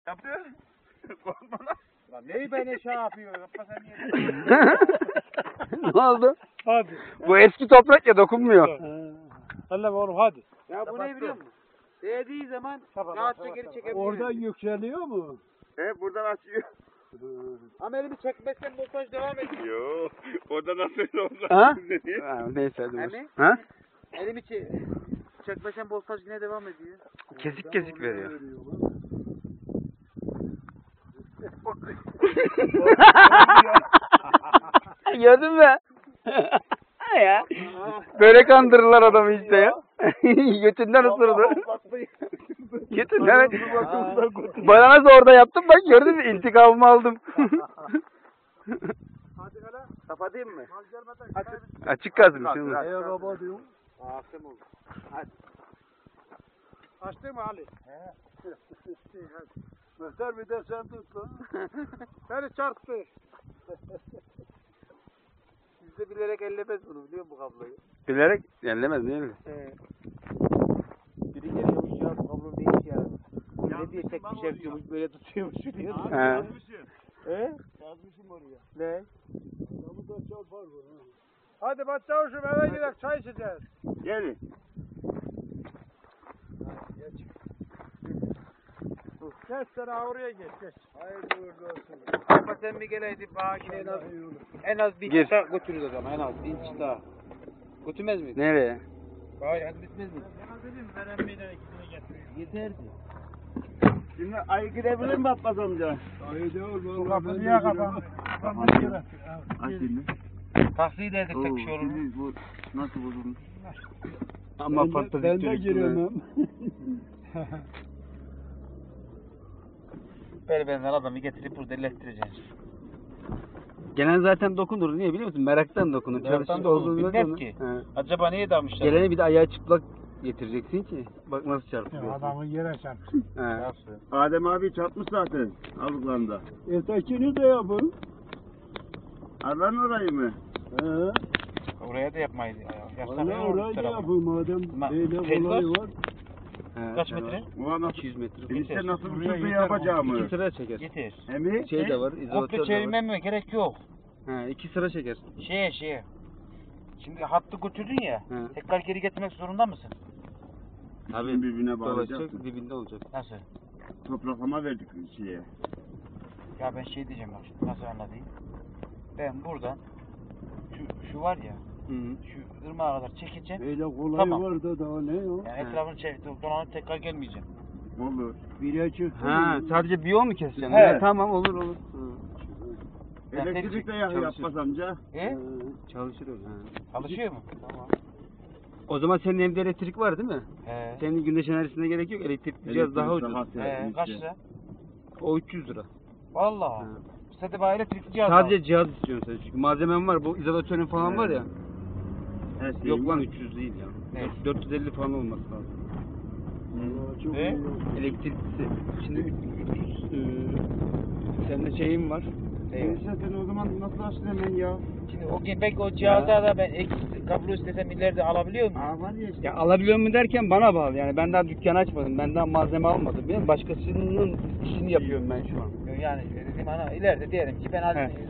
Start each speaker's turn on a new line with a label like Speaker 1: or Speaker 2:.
Speaker 1: Yapıyor. Korkma lan.
Speaker 2: Lan neyi beni şey yapıyor? Yapma sen niye?
Speaker 3: Ne oldu?
Speaker 2: Hadi.
Speaker 3: Bu eski toprak ya dokunmuyor.
Speaker 2: Hadi oğlum hadi.
Speaker 4: Ya bu ne biliyor musun? Değdiği zaman
Speaker 2: Kapat,
Speaker 4: rahatça
Speaker 2: kapat,
Speaker 4: geri
Speaker 2: kapat.
Speaker 4: çekebiliyor.
Speaker 5: Oradan yükseliyor mu?
Speaker 1: He buradan açıyor.
Speaker 4: Ama elimi çekmezsen montaj devam ediyor.
Speaker 1: Yo. Orada nasıl olacak?
Speaker 3: Ha?
Speaker 1: Ne diyor?
Speaker 3: Ha, neyse hadi.
Speaker 4: Hani?
Speaker 3: Ha?
Speaker 4: Elimi çekmezsen montaj yine devam ediyor.
Speaker 3: Kesik kesik veriyor. Gördün mü? Ya. Böyle kandırırlar adamı işte ya. Götünden ısırdı. Götünden. Bana nasıl orada yaptım bak gördün mü? İntikamımı aldım.
Speaker 4: Kapatayım mı?
Speaker 3: Açık kalsın şimdi.
Speaker 5: Eğer kapatıyorum.
Speaker 4: Akşam oldu.
Speaker 2: Açtın mı Ali?
Speaker 5: Mehter bir de sen tut lan.
Speaker 2: Beni çarptı.
Speaker 4: Bizde bilerek ellemez bunu biliyor musun bu kabloyu?
Speaker 3: Bilerek ellemez değil mi?
Speaker 4: Biri geliyormuş ya bu kablo değiş ya. Ne diye çekmiş yapıyormuş böyle tutuyormuş diyor.
Speaker 3: He.
Speaker 4: He?
Speaker 5: Yazmışım oraya.
Speaker 4: Ne?
Speaker 5: Adamı da çarpar bu.
Speaker 2: Hadi başçavuşum eve gidelim çay içeceğiz.
Speaker 1: Gelin.
Speaker 2: Geç sen oraya geç geç.
Speaker 5: Hayırlı uğurlu olsun.
Speaker 4: Ama sen bir geleydin bana yine en az bir
Speaker 3: Gir.
Speaker 4: inç daha götürürüz o zaman en az bir inç daha. Götürmez miyiz?
Speaker 3: Nereye?
Speaker 4: Hayır hadi bitmez mi? Yeterdi.
Speaker 1: Şimdi ayı gidebilir mi Abbas amca?
Speaker 5: Haydi oğlum.
Speaker 2: Kapı niye kapan?
Speaker 1: Aç şimdi.
Speaker 4: Taksiyi de edersek bir şey olur mu?
Speaker 1: Şimdi bu nasıl bozulmuş?
Speaker 3: Ama fantastik
Speaker 5: Ben de
Speaker 3: çocuksun
Speaker 5: giremem.
Speaker 4: Böyle benzer adamı getirip burada ellettireceğiz.
Speaker 3: Gelen zaten dokunur. Niye biliyor musun? Meraktan dokunur.
Speaker 4: Meraktan
Speaker 3: Çalışır
Speaker 4: dokunur,
Speaker 3: olduğunu
Speaker 4: bilmez
Speaker 3: dokunur.
Speaker 4: ki.
Speaker 3: He.
Speaker 4: Acaba neye damışlar?
Speaker 3: Gelene bir de ayağı çıplak getireceksin ki. Bak nasıl çarpıyor.
Speaker 2: Adamı yere çarptı.
Speaker 3: He.
Speaker 4: Nasıl?
Speaker 1: Adem abi çarpmış zaten aldıklarında.
Speaker 5: Ötekini de yapın.
Speaker 1: Aran orayı mı?
Speaker 5: He.
Speaker 4: Oraya da yapmayız. Yapsak
Speaker 5: Valla
Speaker 4: ne olur bu
Speaker 5: orayı da
Speaker 4: tarafa?
Speaker 5: yapın madem. Böyle
Speaker 4: Şey
Speaker 5: kolay
Speaker 4: var.
Speaker 5: var.
Speaker 3: He.
Speaker 4: Kaç metre?
Speaker 1: Ulan nasıl?
Speaker 3: 200 metre.
Speaker 1: Enişte
Speaker 4: Yeter.
Speaker 1: nasıl
Speaker 2: Buraya
Speaker 1: bir şey
Speaker 2: yeter.
Speaker 1: yapacağımı?
Speaker 3: 2 sıra çeker.
Speaker 4: Getir.
Speaker 1: Emi?
Speaker 3: Şey de var.
Speaker 4: Komple
Speaker 3: İzolatör de var.
Speaker 4: çevirmeme gerek yok.
Speaker 3: He, 2 sıra çeker.
Speaker 4: Şeye. Şimdi hattı götürdün ya.
Speaker 3: He.
Speaker 4: Tekrar geri getirmek zorunda mısın?
Speaker 1: İkisini birbirine bağlayacak.
Speaker 3: Dolaşacak dibinde olacak.
Speaker 4: Nasıl?
Speaker 1: Topraklama verdik şeye.
Speaker 4: Ya ben şey diyeceğim bak şimdi nasıl anlatayım. Ben buradan şu var ya
Speaker 3: Hı -hı.
Speaker 4: şu ırmağa kadar çekeceğim.
Speaker 5: Böyle kolay
Speaker 4: Tamam.
Speaker 5: var da daha ne o?
Speaker 4: Yani etrafını dolanıp tekrar gelmeyeceğim.
Speaker 1: Olur.
Speaker 5: Bire çıktı.
Speaker 3: Ha, sadece bir yol mu keseceksin?
Speaker 4: He.
Speaker 3: Tamam olur olur. Hı.
Speaker 4: Ben
Speaker 1: Elektrik de yakıyor
Speaker 3: çalışır.
Speaker 1: Abbas amca.
Speaker 4: E?
Speaker 3: Çalışır öyle. He.
Speaker 4: Çalışıyor mu? Tamam.
Speaker 3: O zaman senin evde elektrik var değil mi?
Speaker 4: He.
Speaker 3: Senin güneş enerjisine gerek yok. Elektrikli cihaz daha ucuz.
Speaker 4: Kaç lira?
Speaker 3: O 300 lira.
Speaker 4: Vallahi.
Speaker 3: He.
Speaker 4: Sen de bana elektrikli cihaz
Speaker 3: Sadece cihaz istiyorsun sen. Çünkü malzemen var. Bu izolatörün falan
Speaker 1: He.
Speaker 3: var ya.
Speaker 1: Her şey
Speaker 3: Yok lan 300 değil ya.
Speaker 4: Ne?
Speaker 3: 450 falan olması lazım.
Speaker 5: Vallahi çok
Speaker 4: E?
Speaker 5: iyi oldu.
Speaker 3: Elektriklisi. Şimdi 300 sende şeyin var.
Speaker 1: Enişte sen o zaman nasıl açtın hemen ya?
Speaker 4: Şimdi o gün belki o cihazda da ben kablo istesem ileride alabiliyor muyum?
Speaker 1: Aa var ya işte.
Speaker 3: Ya alabiliyor mu derken bana bağlı. Yani ben daha dükkan açmadım. Ben daha malzeme almadım. Başkasının işini yapıyorum ben şu an.
Speaker 4: Yani dedim ana ileride diyelim ki ben
Speaker 3: He.